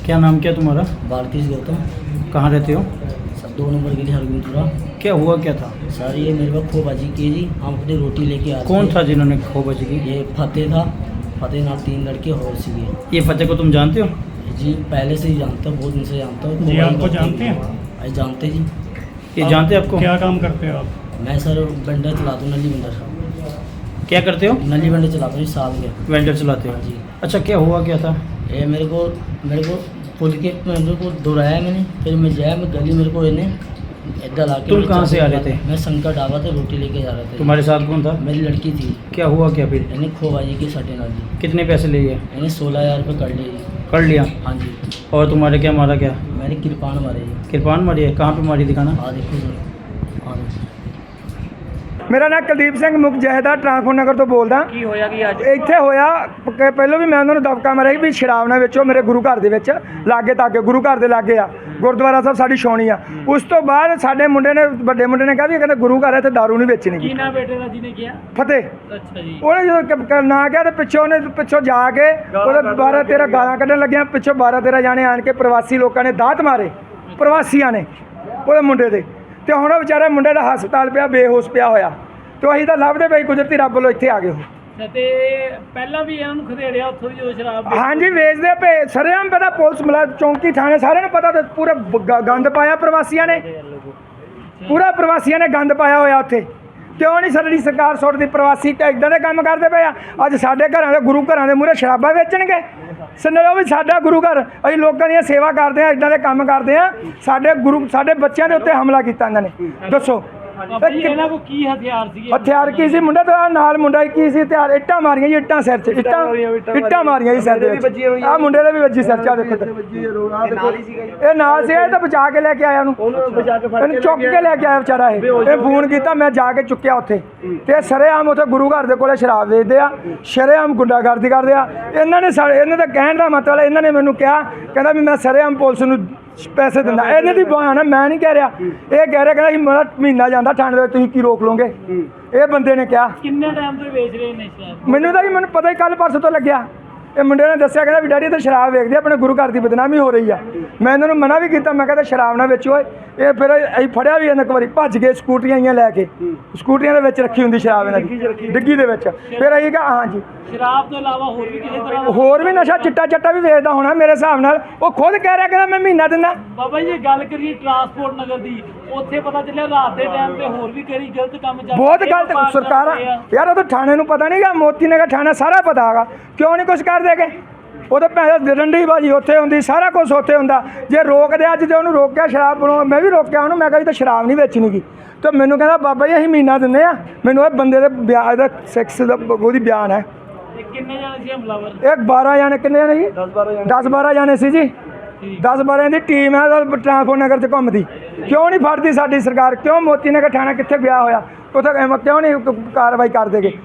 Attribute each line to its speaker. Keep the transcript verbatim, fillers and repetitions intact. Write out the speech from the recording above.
Speaker 1: क्या नाम क्या तुम्हारा?
Speaker 2: बालकृष्ण गौतम।
Speaker 1: कहाँ रहते हो?
Speaker 2: सर दो नंबर गली हरगोविंदपुरा।
Speaker 1: क्या हुआ क्या था?
Speaker 2: सर ये मेरे पास खोबाजी की जी, हम अपनी रोटी लेके आए
Speaker 1: कौन
Speaker 2: थे।
Speaker 1: था जिन्होंने खोबाजी की?
Speaker 2: ये फतेह था, फतेह नाल तीन लड़के और सीगे।
Speaker 1: ये फतेह को तुम जानते हो?
Speaker 2: जी पहले से ही जानता हूँ, बहुत दिन से जानता हूँ।
Speaker 3: जी, आपको जानते हैं?
Speaker 2: अरे जानते जी।
Speaker 1: ये
Speaker 3: आप
Speaker 1: जानते हैं आपको?
Speaker 3: क्या काम करते हो आप?
Speaker 2: मैं सर बंडर चलाता हूँ, नली बंडर साहब,
Speaker 1: क्या करते हो?
Speaker 2: नली बंडर चलाता हूँ साल में।
Speaker 1: वेंडर चलाते हो?
Speaker 2: जी।
Speaker 1: अच्छा, क्या हुआ क्या था?
Speaker 2: ये मेरे को मेरे को पुल के मेरे को दोहराया मैंने, फिर मैं जाया मैं गली, मेरे को इन्हें इधर आके।
Speaker 1: तुम कहाँ से आ रहे थे?
Speaker 2: मैं शंकर ढाबा से रोटी लेके जा रहा था।
Speaker 1: तुम्हारे साथ कौन था?
Speaker 2: मेरी लड़की थी।
Speaker 1: क्या हुआ क्या फिर?
Speaker 2: इन्हें खोबाजी के सटे नाल जी।
Speaker 1: कितने पैसे लिए?
Speaker 2: इन्हें सोलह हज़ार रुपये कर लिए जी।
Speaker 1: कर लिया?
Speaker 2: हाँ जी।
Speaker 1: और तुम्हारे क्या मारा क्या?
Speaker 2: मैंने किरपान मारे जी।
Speaker 1: किरपान मारी है? कहाँ पे मारी, दिखाना।
Speaker 2: हाँ देखो सर, हाँ देखो।
Speaker 4: मेरा नाम ਕੁਲਦੀਪ ਸਿੰਘ ਮੁਖ ਜਹੇਦਾਰ ਟਰਾਂਸਪੋਰਟ ਨਗਰ ਤੋਂ ਬੋਲਦਾ।
Speaker 3: ਕੀ ਹੋਇਆ ਕਿ ਅੱਜ?
Speaker 4: ਇੱਥੇ ਹੋਇਆ ਕਿ ਪਹਿਲਾਂ ਵੀ ਮੈਂ ਉਹਨਾਂ ਨੂੰ ਦਬਕਾ ਮਾਰਿਆ ਵੀ ਸ਼ਰਾਬ ਨਾ ਵੇਚੋ ਮੇਰੇ ਗੁਰੂ ਘਰ ਦੇ ਵਿੱਚ, ਲਾਗੇ ਤਾਗੇ ਗੁਰੂ ਘਰ ਦੇ ਲਾਗੇ ਆ, ਗੁਰਦੁਆਰਾ ਸਾਹਿਬ ਸਾਡੀ ਛਾਉਣੀ ਆ। ਉਸ ਤੋਂ ਬਾਅਦ ਸਾਡੇ ਮੁੰਡੇ ਨੇ, ਵੱਡੇ ਮੁੰਡੇ ਨੇ ਕਿਹਾ ਵੀ ਇਹ ਕਹਿੰਦਾ ਗੁਰੂ ਘਰ ਹੈ ਤੇ ਦਾਰੂ ਨਹੀਂ ਵੇਚਣੀ
Speaker 3: ਕੀ
Speaker 4: ਗੀ।
Speaker 3: ਨਾ ਬੇਟੇ ਦਾ ਜਿਹਨੇ ਕਿਹਾ?
Speaker 4: ਫਤਿਹ।
Speaker 3: ਅੱਛਾ ਜੀ।
Speaker 4: ਉਹਨੇ ਜਦੋਂ ਕ- ਕ- ਨਾ ਕਿਹਾ ਤੇ ਪਿੱਛੋਂ ਉਹਨੇ ਪਿੱਛੋਂ ਜਾ ਕੇ ਉਹਦੇ ਬਾਰਾਂ ਤੇਰਾਂ ਗਾਲਾਂ ਕੱਢਣ ਲੱਗਿਆ। ਪਿੱਛੋਂ ਬਾਰਾਂ ਤੇਰਾਂ ਜਾਣੇ ਆਣ ਕੇ ਪ੍ਰਵਾਸੀ ਲੋਕਾਂ ਨੇ ਦਾਤ ਮਾਰੇ, ਪ੍ਰਵਾਸੀਆਂ ਨੇ ਉਹਦੇ ਮੁੰਡੇ ਦੇ, ਤੇ ਹੁਣ ਉਹ ਵਿਚਾਰਾ ਮੁੰਡੇ ਦਾ ਹਸਪਤਾਲ ਪਿਆ, ਬੇਹੋਸ਼ ਪਿਆ ਹੋਇਆ। ਤੇ ਅਸੀਂ ਤਾਂ ਲੱਭਦੇ ਪਈ, ਕੁਦਰਤੀ ਰੱਬ ਵੱਲੋਂ ਇੱਥੇ ਆ ਗਏ ਉਹ।
Speaker 3: ਤੇ ਪਹਿਲਾਂ ਵੀ ਇਹਨਾਂ ਨੂੰ ਖਦੇੜਿਆ ਉੱਥੋਂ ਦੀ ਜਦੋਂ ਸ਼ਰਾਬ ਵੇਚੀ?
Speaker 4: ਹਾਂਜੀ ਵੇਚਦੇ ਪਏ ਸਰੇਆਮ ਪਤਾ, ਪੁਲਿਸ ਮਲਾ ਚੌਂਕੀ ਥਾਣੇ ਸਾਰਿਆਂ ਨੂੰ ਪਤਾ, ਤੇ ਪੂਰਾ ਗ- ਗੰਦ ਪਾਇਆ ਪ੍ਰਵਾਸੀਆਂ ਨੇ, ਪੂਰਾ ਪ੍ਰਵਾਸੀਆਂ ਨੇ ਗੰਦ ਪਾਇਆ ਹੋਇਆ ਉੱਥੇ। ਕਿਉਂ ਨਹੀਂ ਸਾਡੀ ਸਰਕਾਰ ਸੁੱਟਦੀ? ਪ੍ਰਵਾਸੀ ਤਾਂ ਇੱਦਾਂ ਦੇ ਕੰਮ ਕਰਦੇ ਪਏ ਆ। ਅੱਜ ਸਾਡੇ ਘਰਾਂ ਦੇ, ਗੁਰੂ ਘਰਾਂ ਦੇ ਮੂਹਰੇ ਸ਼ਰਾਬਾਂ ਵੇਚਣਗੇ? ਸੁਣੋ ਵੀ ਸਾਡਾ ਗੁਰੂ ਘਰ, ਅਸੀਂ ਲੋਕਾਂ ਦੀ ਸੇਵਾ ਕਰਦੇ ਆ, ਇੱਦਾਂ ਦੇ ਕੰਮ ਕਰਦੇ ਆ। ਸਾਡੇ ਗੁਰੂ, ਸਾਡੇ ਬੱਚਿਆਂ ਦੇ ਉੱਤੇ ਹਮਲਾ ਕੀਤਾ ਇਹਨਾਂ ਨੇ। ਦੱਸੋ
Speaker 3: ਭਾਈ ਇਹਨਾਂ ਕੋਲ ਕੀ ਹਥਿਆਰ ਸੀਗੇ?
Speaker 4: ਹਥਿਆਰ ਕੀ ਸੀ? ਮੁੰਡਾ ਤਾਂ ਨਾਲ ਮੁੰਡਾ ਕੀ ਸੀ ਹਥਿਆਰ? ਇੱਟਾਂ ਮਾਰੀਆਂ ਜੀ, ਇੱਟਾਂ ਸਿਰ 'ਚ, ਇੱਟਾਂ ਇੱਟਾਂ ਮਾਰੀਆਂ ਜੀ ਸਿਰ ਦੇ ਵਿੱਚ। ਆਹ ਮੁੰਡੇ ਦੇ ਵੀ ਵੱਜੀ ਸਿਰ 'ਚ, ਆਹ ਦੇਖੋ ਤੇ। ਇਹ ਨਾਲ ਸੀ, ਇਹ ਤਾਂ ਬਚਾ ਕੇ ਲੈ ਕੇ ਆਇਆ ਉਹਨੂੰ, ਇਹਨੂੰ ਚੁੱਕ ਕੇ ਲੈ ਕੇ ਆਇਆ ਵਿਚਾਰਾ। ਇਹ ਇਹ ਫੋਨ ਕੀਤਾ, ਮੈਂ ਜਾ ਕੇ ਚੁੱਕਿਆ ਉੱਥੇ। ਤੇ ਸਰੇਆਮ ਉੱਥੇ ਗੁਰੂ ਘਰ ਦੇ ਕੋਲੇ ਸ਼ਰਾਬ ਵੇਚਦੇ ਆ, ਸ਼ਰੇਆਮ ਗੁੰਡਾਗਰਦੀ ਕਰਦੇ ਆ। ਇਹਨਾਂ ਨੇ ਸਾਡੇ, ਇਹਨਾਂ ਦਾ ਕਹਿਣ ਦਾ ਮਤਲਬ, ਇਹਨਾਂ ਨੇ ਮੈਨੂੰ ਕਿਹਾ, ਕਹਿੰਦਾ ਵੀ ਮੈਂ ਸਰੇਆਮ ਪੁਲਿਸ ਨੂੰ ਪੈਸੇ ਦਿੰਦਾ। ਇਹਨਾਂ ਦੀ ਬਹਾਨਾ, ਮੈਂ ਨਹੀਂ ਕਹਿ ਰਿਹਾ, ਇਹ ਕਹਿ ਰਿਹਾ, ਕਹਿੰਦਾ ਸੀ ਮੇਰਾ ਮਹੀਨਾ ਜਾਂਦਾ ਥਾਣੇ ਦੇ ਵਿੱਚ, ਤੁਸੀਂ ਕੀ ਰੋਕ ਲਓਗੇ? ਇਹ ਬੰਦੇ ਨੇ ਕਿਹਾ।
Speaker 3: ਕਿੰਨੇ ਟਾਈਮ ਤੋਂ ਵੇਚ ਰਹੇ ਨੇ ਸ਼ਰਾਬ?
Speaker 4: ਮੈਨੂੰ ਤਾਂ ਜੀ, ਮੈਨੂੰ ਪਤਾ ਹੀ ਕੱਲ ਪਰਸੋਂ ਤੋਂ ਲੱਗਿਆ। ਇਹ ਮੁੰਡੇ ਨੇ ਦੱਸਿਆ, ਕਹਿੰਦਾ ਵੀ ਡੈਡੀ ਤਾਂ ਸ਼ਰਾਬ ਵੇਚਦੇ, ਆਪਣੇ ਗੁਰੂ ਘਰ ਦੀ ਬਦਨਾਮੀ ਹੋ ਰਹੀ ਆ। ਮੈਂ ਇਹਨਾਂ ਨੂੰ ਮਨਾ ਵੀ ਕੀਤਾ, ਮੈਂ ਕਹਿੰਦਾ ਸ਼ਰਾਬ ਨਾ ਵੇਚੋ। ਇਹ ਫਿਰ ਅਸੀਂ ਫੜਿਆ ਵੀ ਇਹਨਾਂ ਇੱਕ ਵਾਰੀ, ਭੱਜ ਗਏ ਸਕੂਟਰੀਆਂ ਆਈਆਂ ਲੈ ਕੇ, ਸਕੂਟਰੀਆਂ ਦੇ ਵਿੱਚ ਰੱਖੀ ਹੁੰਦੀ ਸ਼ਰਾਬ ਇਹਨਾਂ ਦੀ, ਡਿੱਗੀ ਦੇ ਵਿੱਚ। ਫਿਰ ਅਸੀਂ ਕਿਹਾ ਹਾਂ ਜੀ,
Speaker 3: ਸ਼ਰਾਬ ਤੋਂ ਇਲਾਵਾ ਹੋਰ ਵੀ ਕਿਸੇ ਤਰ੍ਹਾਂ ਦਾ?
Speaker 4: ਹੋਰ ਵੀ ਨਸ਼ਾ, ਚਿੱਟਾ ਚੱਟਾ ਵੀ ਵੇਚਦਾ ਹੋਣਾ ਮੇਰੇ ਹਿਸਾਬ ਨਾਲ। ਉਹ ਖੁਦ ਕਹਿ ਰਿਹਾ, ਕਹਿੰਦਾ ਮੈਂ ਮਹੀਨਾ ਦਿੰਦਾ।
Speaker 3: ਬਾਬਾ ਜੀ, ਜੇ ਗੱਲ ਕਰੀਏ ਟਰਾਂਸਪੋਰਟ ਨਗਰ ਦੀ, ਉੱਥੇ ਪਤਾ ਚੱਲਿਆ ਰਾਤ ਦੇ ਟਾਈਮ ਤੇ ਹੋਰ ਵੀ ਕਈ ਗਲਤ ਕੰਮ ਚੱਲ
Speaker 4: ਬਹੁਤ
Speaker 3: ਰਹੇ,
Speaker 4: ਗਲਤ
Speaker 3: ਵਪਾਰ
Speaker 4: ਸਰਕਾਰਾਂ
Speaker 3: ਚੱਲ ਰਹੇ ਆ।
Speaker 4: ਯਾਰ, ਉਹ ਤਾਂ ਥਾਣੇ ਨੂੰ ਪਤਾ ਨਹੀਂਗਾ, ਮੋਤੀ ਨਗਰ ਥਾਣਾ ਸਾਰਾ ਪਤਾ ਹੈਗਾ, ਕਿਉਂ ਨਹੀਂ ਕੁਛ ਕਰਦੇ ਗੇ? ਉਹ ਤਾਂ ਭੈਣ ਡੰਡੀ ਬਾਜੀ ਉੱਥੇ ਹੁੰਦੀ, ਸਾਰਾ ਕੁਝ ਉੱਥੇ ਹੁੰਦਾ। ਜੇ ਰੋਕਦੇ, ਅੱਜ ਜੇ ਉਹਨੂੰ ਰੋਕਿਆ ਸ਼ਰਾਬ ਬਣਾਉਣ, ਮੈਂ ਵੀ ਰੋਕਿਆ ਉਹਨੂੰ, ਮੈਂ ਕਿਹਾ ਜੀ ਤਾਂ ਸ਼ਰਾਬ ਨਹੀਂ ਵੇਚਣੀ ਗੀ। ਤੇ ਮੈਨੂੰ ਕਹਿੰਦਾ ਬਾਬਾ ਜੀ ਅਸੀਂ ਮਹੀਨਾ ਦਿੰਦੇ ਆ। ਮੈਨੂੰ ਇਹ ਬੰਦੇ ਦੇ ਵਿਆਹ ਦਾ ਸੈਕਸ ਦਾ ਉਹਦੀ ਬਿਆਨ ਹੈ।
Speaker 3: ਇਹ ਕਿੰਨੇ ਜਾਣੇ ਸੀ ਹਮਲਾਵਰ?
Speaker 4: ਇਹ ਬਾਰਾਂ ਜਾਣੇ, ਕਿੰਨੇ ਜਾਣੇ ਜੀ? ਦਸ ਬਾਰਾਂ ਜਾਣੇ ਸੀ ਜੀ। ਦਸ ਬਾਰਾਂ ਦੀ ਟੀਮ ਹੈ ਟਰਾਂਸਪੋਰਟ ਨਗਰ 'ਚ ਘੁੰਮਦੀ। ਕਿਉਂ ਨਹੀਂ ਫੜਦੀ ਸਾਡੀ ਸਰਕਾਰ? ਕਿਉਂ ਮੋਤੀ ਨਗਰ ਥਾਣਾ ਕਿੱਥੇ ਗਿਆ ਹੋਇਆ, ਉੱਥੇ ਕਿਉਂ ਨਹੀਂ ਕਾਰਵਾਈ ਕਰਦੇ ਗੇ?